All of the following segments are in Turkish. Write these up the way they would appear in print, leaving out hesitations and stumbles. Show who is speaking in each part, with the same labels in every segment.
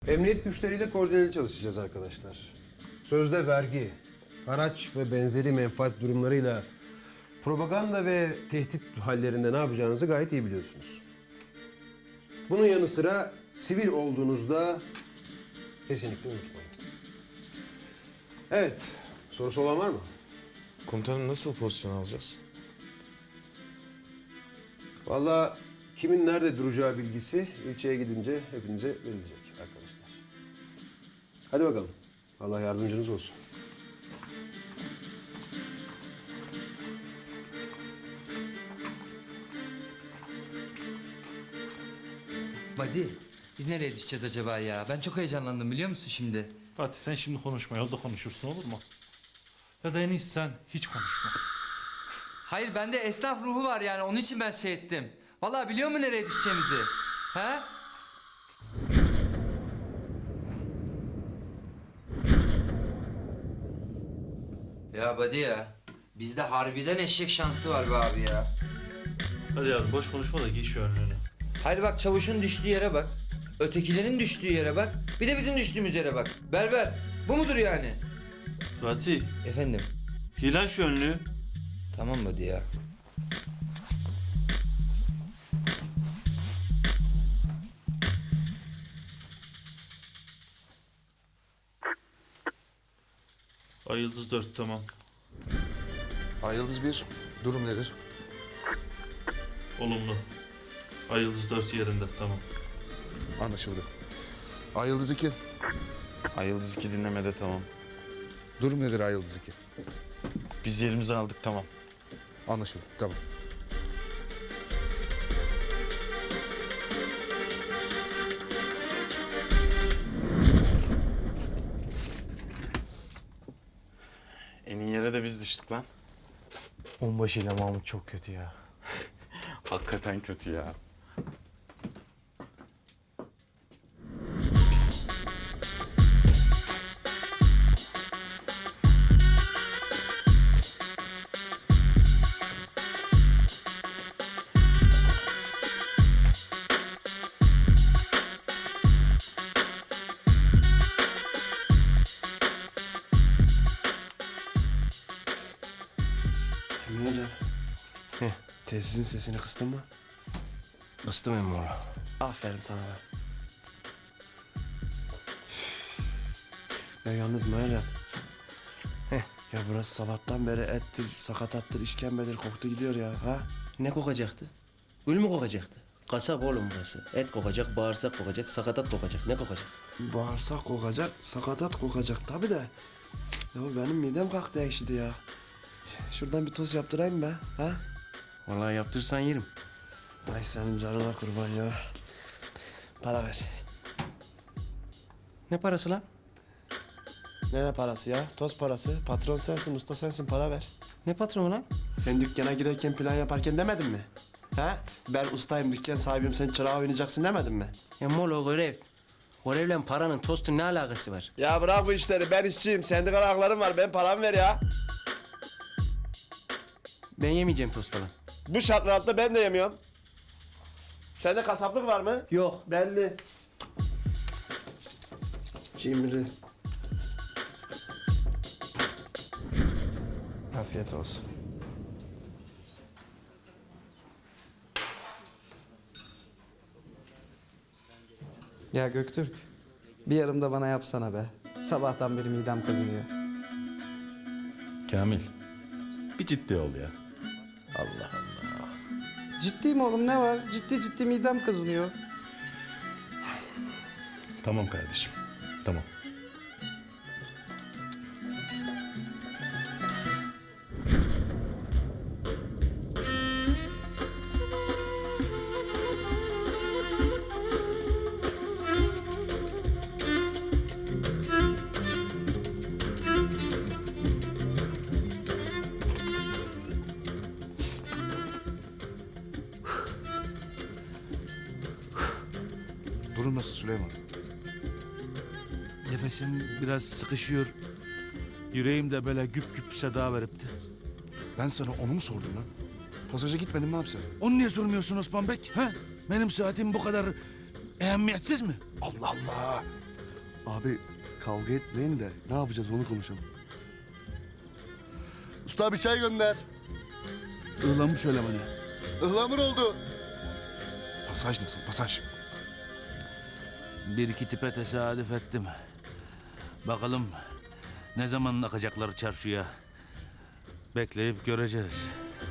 Speaker 1: Emniyet güçleriyle koordineli çalışacağız arkadaşlar. Sözde vergi, haraç ve benzeri menfaat durumlarıyla propaganda ve tehdit hallerinde ne yapacağınızı gayet iyi biliyorsunuz. Bunun yanı sıra sivil olduğunuzda kesinlikle unutmayın. Evet, sorusu olan var mı?
Speaker 2: Komutanım nasıl pozisyon alacağız?
Speaker 1: Vallahi kimin nerede duracağı bilgisi ilçeye gidince hepinize verilecek arkadaşlar. Hadi bakalım. Allah yardımcınız olsun.
Speaker 3: Buddy, biz nereye düşeceğiz acaba ya? Ben çok heyecanlandım biliyor musun şimdi?
Speaker 4: Fatih sen şimdi konuşma, yolda konuşursun olur mu? Ya da en iyisi sen hiç konuşma.
Speaker 3: Hayır bende esnaf ruhu var yani onun için ben şey ettim. Vallahi biliyor musun nereye düşeceğimizi? He? Ya Buddy ya, bizde harbiden eşek şansı var be abi ya.
Speaker 4: Hadi yavrum boş konuşma da giy şu önlüğünü.
Speaker 3: Hayır bak çavuşun düştüğü yere bak. Ötekilerin düştüğü yere bak. Bir de bizim düştüğümüz yere bak. Berber, bu mudur yani?
Speaker 4: Fatih,
Speaker 3: Efendim,
Speaker 4: giy lan şu önlüğü.
Speaker 3: tamam Buddy ya.
Speaker 4: Ay Yıldız 4 tamam.
Speaker 5: Ay Yıldız 1, durum nedir?
Speaker 4: Olumlu. Ay Yıldız 4 yerinde tamam.
Speaker 5: Anlaşıldı. Ay Yıldız 2,
Speaker 2: Ay Yıldız 2 dinlemede tamam.
Speaker 5: durum nedir Ay Yıldız 2?
Speaker 2: Biz yerimizi aldık tamam.
Speaker 5: Anlaşıldı, tamam.
Speaker 2: En iyi yere de biz düştük lan.
Speaker 6: Onbaşı ile Mahmut çok kötü ya.
Speaker 2: Hakikaten kötü ya.
Speaker 1: Emin hocam. Tesisin sesini kıstın mı?
Speaker 6: Kıstım emmi onu.
Speaker 1: Aferin sana be. Ya yalnız Meryem. Ya burası sabahtan beri ettir, sakatattır, işkembedir koktu gidiyor ya. Ha?
Speaker 7: Ne kokacaktı? Gül mü kokacaktı? Kasap oğlum burası. Et kokacak, bağırsak kokacak, sakatat kokacak. Ne kokacak?
Speaker 1: Bağırsak kokacak, sakatat kokacak tabii de. Ya benim midem kalktı ekşidi ya. Şuradan bir toz yaptırayım be. Ha?
Speaker 7: Vallahi yaptırsan yerim.
Speaker 1: Ay senin canına kurban ya. Para ver.
Speaker 7: Ne parası lan?
Speaker 1: Ne parası ya? Toz parası. Patron sensin, usta sensin, para ver.
Speaker 7: Ne patronu lan?
Speaker 1: Sen dükkana girerken plan yaparken demedin mi? Ha? Ben ustayım, dükkan sahibiyim, sen çırağı oynayacaksın demedin mi?
Speaker 7: Ya molo görev. Görevle paranın tostun ne alakası var?
Speaker 1: Ya bırak bu işleri, ben işçiyim. Sendikal haklarım var, ben paramı ver ya.
Speaker 7: Ben yemeyeceğim tost falan.
Speaker 1: Bu şartlar altında ben de yemiyorum. Sende kasaplık var mı?
Speaker 7: Yok.
Speaker 1: Belli. Cimri. Afiyet olsun.
Speaker 8: Ya Göktürk, bir yarım da bana yapsana be. Sabahtan beri midem kazınıyor.
Speaker 9: Kamil, bir ciddi ol ya. Allah Allah.
Speaker 8: Ciddiyim oğlum, ne var? Ciddi ciddi midem kazınıyor.
Speaker 9: Tamam kardeşim, tamam.
Speaker 5: Durum nasıl Süleyman?
Speaker 4: Nefesim biraz sıkışıyor. Yüreğim de böyle güp güp seda veripti.
Speaker 5: Ben sana onu mu sordum lan? Pasaja gitmedin mi abi sen?
Speaker 4: Onu niye sormuyorsun Osman Bek? Ha? Benim saatim bu kadar ehemmiyetsiz mi?
Speaker 5: Allah Allah! Abi kavga etmeyin de ne yapacağız onu konuşalım. Usta bir çay gönder.
Speaker 9: Ihlamur söylemeni.
Speaker 5: Ihlamur oldu. Pasaj nasıl pasaj?
Speaker 10: Bir iki tipe tesadüf ettim. Bakalım ne zaman akacaklar çarşıya. Bekleyip göreceğiz.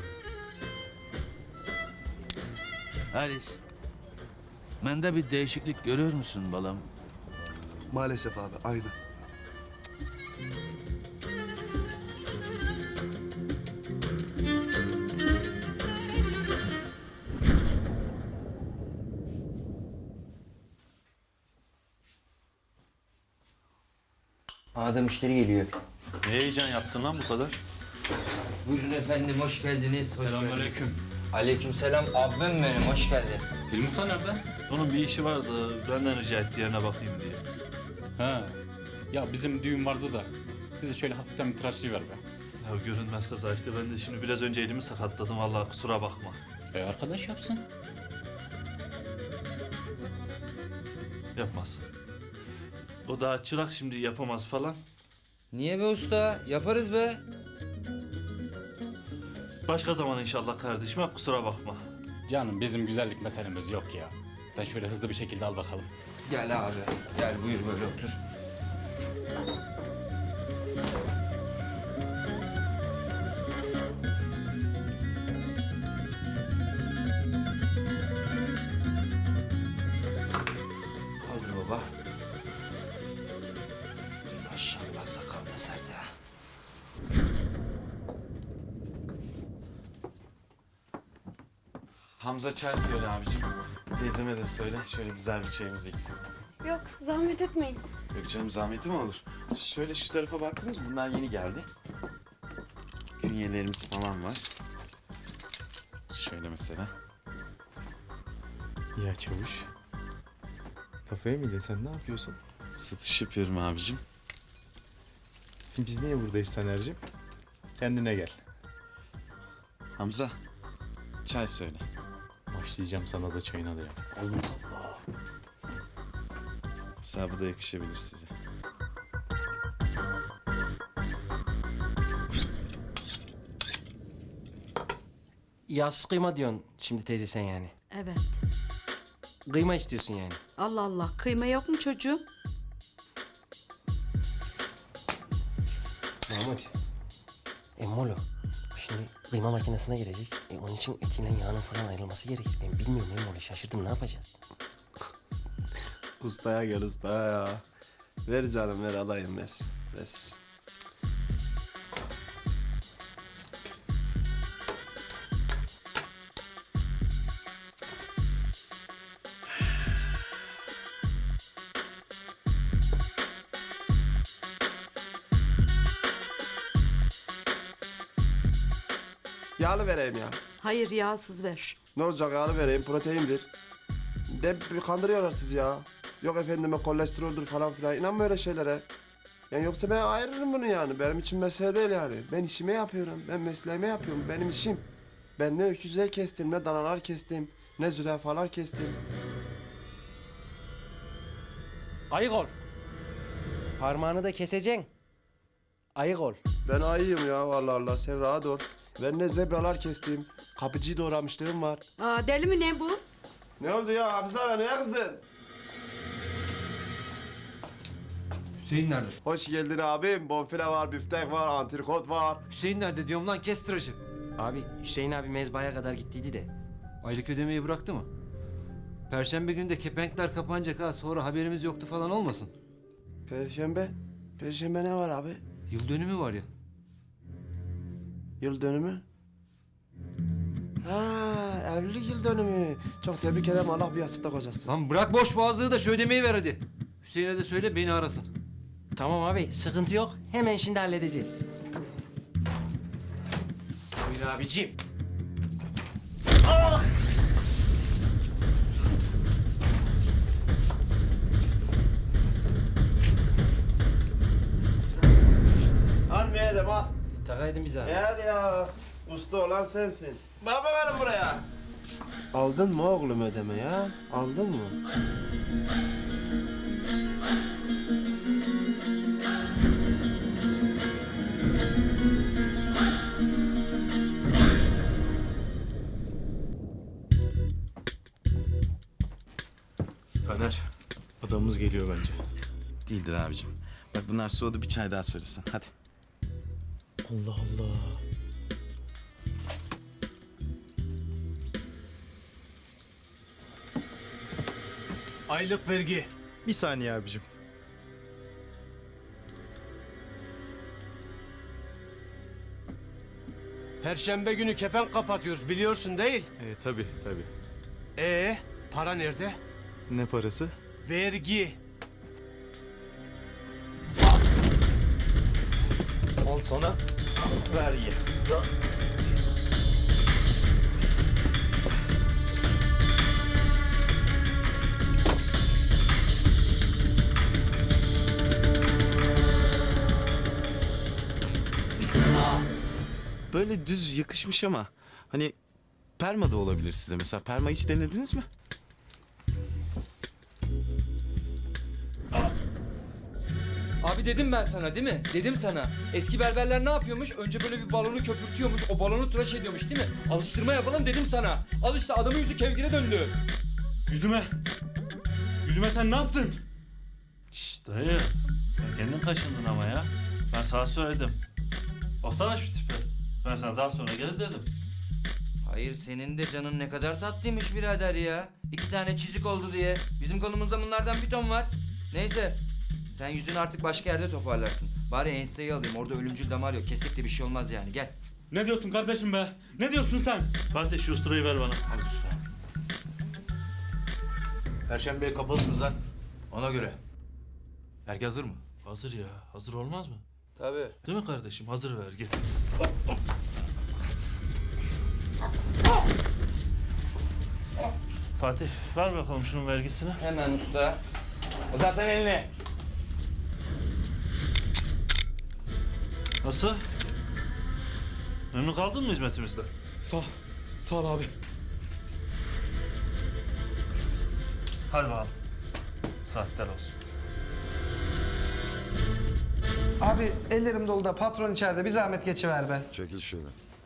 Speaker 10: Halis, bende bir değişiklik görüyor musun balam?
Speaker 5: Maalesef abi aynı.
Speaker 3: A'da müşteri geliyor.
Speaker 2: Ne heyecan yaptın lan bu kadar?
Speaker 3: Buyurun efendim, hoş geldiniz.
Speaker 4: Selamünaleyküm.
Speaker 3: Aleykümselam, abim benim, hoş geldin.
Speaker 4: Hilmi Usta nerede? Onun bir işi vardı. Benden rica etti yerine bakayım diye.
Speaker 11: Ha. Ya bizim düğün vardı da. Bize şöyle hafiften bir tıraşlayıver be.
Speaker 4: Ya görünmez kaza işte. Ben de şimdi biraz önce elimi sakatladım. Vallahi kusura bakma.
Speaker 11: Arkadaş yapsın.
Speaker 4: Yapmazsın. O daha çırak, şimdi yapamaz falan.
Speaker 3: Niye be usta? Yaparız be.
Speaker 4: Başka zaman inşallah kardeşim. Ha, kusura bakma.
Speaker 11: Canım bizim güzellik meselemiz yok ya. Sen şöyle hızlı bir şekilde al bakalım.
Speaker 3: Gel abi, gel buyur böyle otur.
Speaker 1: Kaldır baba. Maşallah sakal da sert ha.
Speaker 2: Hamza çay söyle abicim. Teyzeme de söyle. Şöyle güzel bir çayımızı içsin.
Speaker 12: Yok, zahmet etmeyin.
Speaker 2: Yok canım, zahmeti mi olur? Şöyle şu tarafa baktınız mı? Bunlar yeni geldi. Künyelerimiz falan var. Şöyle mesela.
Speaker 6: Ya çavuş. Kafaya mı yedin sen, ne yapıyorsun?
Speaker 2: Satış yapıyorum abicim.
Speaker 6: Biz niye buradayız Taner'cim? Kendine gel.
Speaker 2: Hamza, çay söyle.
Speaker 6: Başlayacağım sana da çayına da ya.
Speaker 2: Mesela bu da yakışabilir size.
Speaker 7: Yağsız kıyma diyorsun şimdi teyze sen yani.
Speaker 12: Evet.
Speaker 7: Kıyma istiyorsun yani.
Speaker 12: Allah Allah, kıyma yok mu çocuğum?
Speaker 7: Mahmut. Emmolu. Şimdi kıyma makinesine girecek. Onun için etiyle yağının falan ayrılması gerekir. Ben bilmiyorum Emmolu, şaşırdım, ne yapacağız?
Speaker 9: Ustaya gel ustaya ya. Ver canım ver alayım ver. Ver. Yağlı vereyim ya.
Speaker 12: Hayır, yağsız ver.
Speaker 9: Ne olacak yağlı vereyim proteindir. Bir kandırıyorlar sizi ya. Yok efendime kolesteroldür falan filan. İnanma öyle şeylere. Yani yoksa ben ayırırım bunu yani. Benim için mesele değil yani. Ben işimi yapıyorum. Ben mesleğimi yapıyorum. Benim işim. Ben ne öküzler kestim, ne danalar kestim, ne zürafalar kestim.
Speaker 7: Ayık ol. Parmağını da keseceksin. Ayık ol.
Speaker 9: Ben ayıyım ya vallahi Allah. Sen rahat ol. Ben ne zebralar kestim. Kapıcıyı doğramışlığım var.
Speaker 12: Aa, deli mi ne bu?
Speaker 9: Ne oldu ya? Hafizara neye kızdın?
Speaker 8: Hüseyin nerede?
Speaker 9: Hoş geldin abim. Bonfile var, büftek var, antrikot var.
Speaker 8: Hüseyin nerede diyorum lan, kes tıraşı.
Speaker 7: Abi Hüseyin abi mezbahaya kadar gittiydi de.
Speaker 8: Aylık ödemeyi bıraktı mı? Perşembe günü de kepenkler kapanacak ha, sonra haberimiz yoktu falan olmasın.
Speaker 9: Perşembe. Perşembe ne var abi?
Speaker 8: Yıl dönümü var ya.
Speaker 9: Yıl dönümü. Ha, evlilik yıl dönümü. Çok tebrik ederim. Allah bir yastıkta kocasın.
Speaker 8: Lan bırak boş boğazlığı da şu ödemeyi ver hadi. Hüseyin'e de söyle beni arasın.
Speaker 7: Tamam abi, sıkıntı yok. Hemen şimdi halledeceğiz. Buyur abicim.
Speaker 9: Almayalım al.
Speaker 7: Takaydın bizi abi.
Speaker 9: Hadi ya. Usta olan sensin. Bak bakalım buraya. Aldın mı oğlum ödeme ya? Aldın mı?
Speaker 6: zamanımız geliyor bence.
Speaker 2: Değildir abicim. Bak bunlar soğudu, bir çay daha söylesin. Hadi.
Speaker 6: Allah Allah.
Speaker 5: Aylık vergi.
Speaker 6: Bir saniye abicim.
Speaker 1: Perşembe günü kepenk kapatıyoruz biliyorsun değil.
Speaker 6: Tabii tabii.
Speaker 1: Para nerede?
Speaker 6: Ne parası?
Speaker 1: Vergi.
Speaker 6: Al sana vergi.
Speaker 2: Böyle düz yakışmış ama hani perma da olabilir size mesela. Perma hiç denediniz mi?
Speaker 3: Abi dedim ben sana değil mi? Dedim sana. Eski berberler ne yapıyormuş? Önce böyle bir balonu köpürtüyormuş. O balonu tıraş ediyormuş değil mi? Alıştırma yapalım dedim sana. Al işte adamın yüzü kevgire döndü.
Speaker 4: Yüzüme. Yüzüme sen ne yaptın? Şşş dayı. Sen kendin kaşındın ama ya. Ben sana söyledim. Baksana şu tipe. Ben sana daha sonra gel dedim.
Speaker 3: Hayır senin de canın ne kadar tatlıymış birader ya. 2 tane çizik oldu diye. Bizim kolumuzda bunlardan bir ton var. Neyse. Sen yüzünü artık başka yerde toparlarsın. Bari enseyi alayım. Orada ölümcül damar yok. Kesik de bir şey olmaz yani. Gel.
Speaker 4: Ne diyorsun kardeşim be? Ne diyorsun sen? Fatih şu usturayı ver bana.
Speaker 10: Al usta. Perşembeye kapalısınız lan. Ona göre. Herkes hazır mı?
Speaker 4: Hazır ya. Hazır olmaz mı?
Speaker 3: Tabii.
Speaker 4: Değil mi kardeşim? Hazır ver git. Fatih ver bakalım şunun vergisini.
Speaker 3: Hemen usta. Uzatın elini.
Speaker 4: Nasıl? Memnun kaldın mı hizmetimizden?
Speaker 5: Sağ ol abi.
Speaker 4: Hadi bakalım. Saatler olsun.
Speaker 8: Abi ellerim dolu da patron içeride. Bir zahmet geçiver be.
Speaker 13: Çekil şöyle.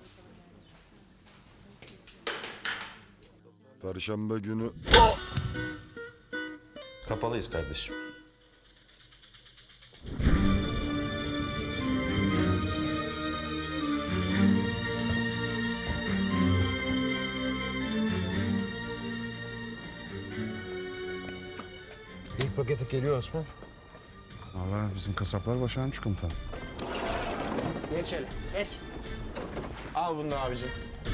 Speaker 13: Perşembe günü...
Speaker 2: Kapalıyız kardeşim.
Speaker 1: İlk paketi geliyor Osman.
Speaker 5: Vallahi bizim kasaplar başarmış komutan.
Speaker 12: Geç hele, geç.
Speaker 6: Al bunu abicim.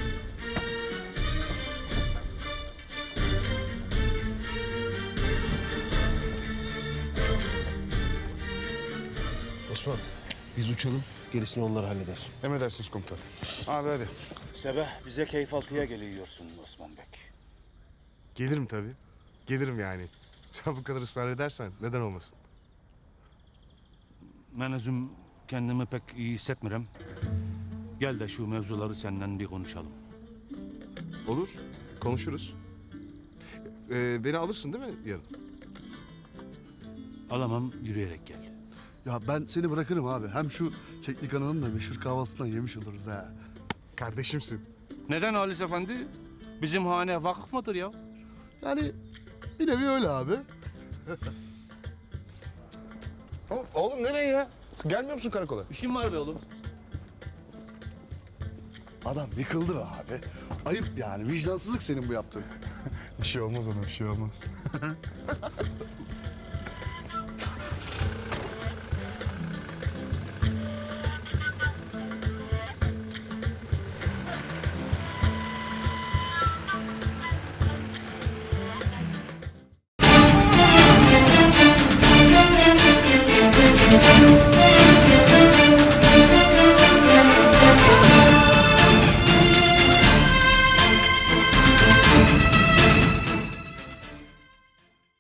Speaker 1: Osman biz uçalım gerisini onlar halleder.
Speaker 5: Emredersiniz komutan. Abi hadi.
Speaker 10: Sebeh bize keyif altıya geliyorsun Osman Bey.
Speaker 5: Gelirim tabii. Gelirim yani. Sen bu kadar ısrar edersen neden olmasın?
Speaker 10: Ben özüm kendimi pek iyi hissetmiyorum. Gel de şu mevzuları senden bir konuşalım.
Speaker 5: Olur. Konuşuruz. Beni alırsın değil mi yarın?
Speaker 10: Alamam, yürüyerek gel.
Speaker 5: Ya ben seni bırakırım abi. Hem şu Keklik Ana'nın da meşhur kahvaltısından yemiş oluruz ha. Kardeşimsin.
Speaker 10: Neden Halis Efendi? Bizim hane vakıf mıdır ya?
Speaker 5: Yani bir nevi öyle abi. Oğlum nereye ya? Gelmiyor musun karakola?
Speaker 10: İşim var be oğlum.
Speaker 5: Adam yıkıldı be abi. Ayıp yani. Vicdansızlık senin bu yaptığın. Bir şey olmaz ona, bir şey olmaz.